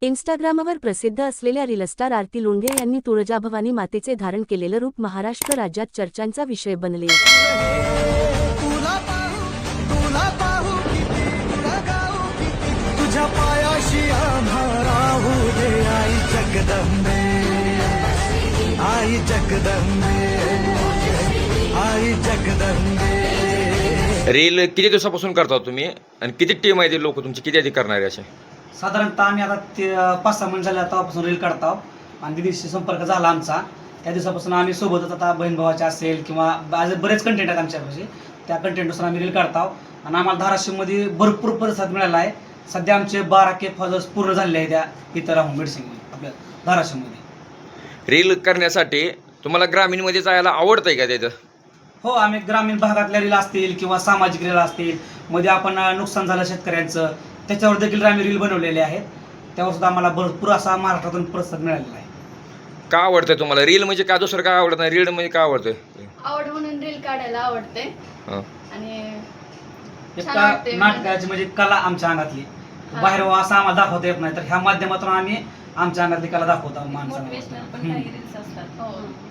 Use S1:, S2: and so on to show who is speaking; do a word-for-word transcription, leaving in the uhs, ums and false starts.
S1: इन्स्टाग्रामवर प्रसिद्ध असलेल्या रीलस्टार आरती लोंढे यांनी तुळजाभवानी मातेचे धारण केलेलं रूप महाराष्ट्र राज्यात चर्चांचा विषय बनले.
S2: तुला पाहू तुला पाहू किती लगाऊ किती तुझ्या पायाशी आम्हा राहू दे आई जगदंबे आई जगदंबे आई जगदंबे.
S3: रील किती दिवसापासून करता तुम्ही आणि किती टीम आहे ते लोक तुमची किती आधी करणारे असे?
S4: साधारणतः आम्ही आता ते पाच सहा महिने झाले तेव्हापासून रील काढतो आणि दिदीशी संपर्क झाला आमचा. त्या दिवसापासून आम्ही सोबतच आता बहीण भावाचे असेल किंवा आज बरेच कंटेंट आहेत आमच्यापाशी, त्या कंटेंटनुसार आम्ही रील काढतो आणि आम्हाला धाराशिवमध्ये भरपूर प्रतिसाद मिळाला आहे. सध्या आमचे बारा के फॉलोअर्स पूर्ण झाले आहे त्या इथं राहून मेडिसिनमध्ये आपल्या धाराशिवमध्ये.
S3: रील करण्यासाठी तुम्हाला ग्रामीणमध्ये जायला आवडतंय का त्याचं?
S4: हो, आम्ही ग्रामीण भागातल्या रील असतील किंवा सामाजिक रील असतील, मध्ये आपण नुकसान झालं शेतकऱ्यांचं त्याच्यावर देखील आम्ही रील बनवलेले आहेत. त्यावर सुद्धा आम्हाला भरपूर असा महाराष्ट्रातून प्रतिसाद मिळालेला आहे.
S3: का आवडतंय तुम्हाला रील? म्हणजे का दुसरं काय आवडत नाही? रील म्हणजे का आवडतंय?
S5: आवड म्हणून रील काढायला आवडते
S3: हां.
S5: आणि
S4: एक
S5: छान वाटते.
S4: नाटकाची म्हणजे कला आमच्या अंगातली बाहेर असं आम्हाला दाखवता येत नाही, तर ह्या माध्यमातून आम्ही आमच्या अंगातली कला दाखवतो माणसांना.
S5: मोटिवेशनल पण काही रील्स असतात. हो.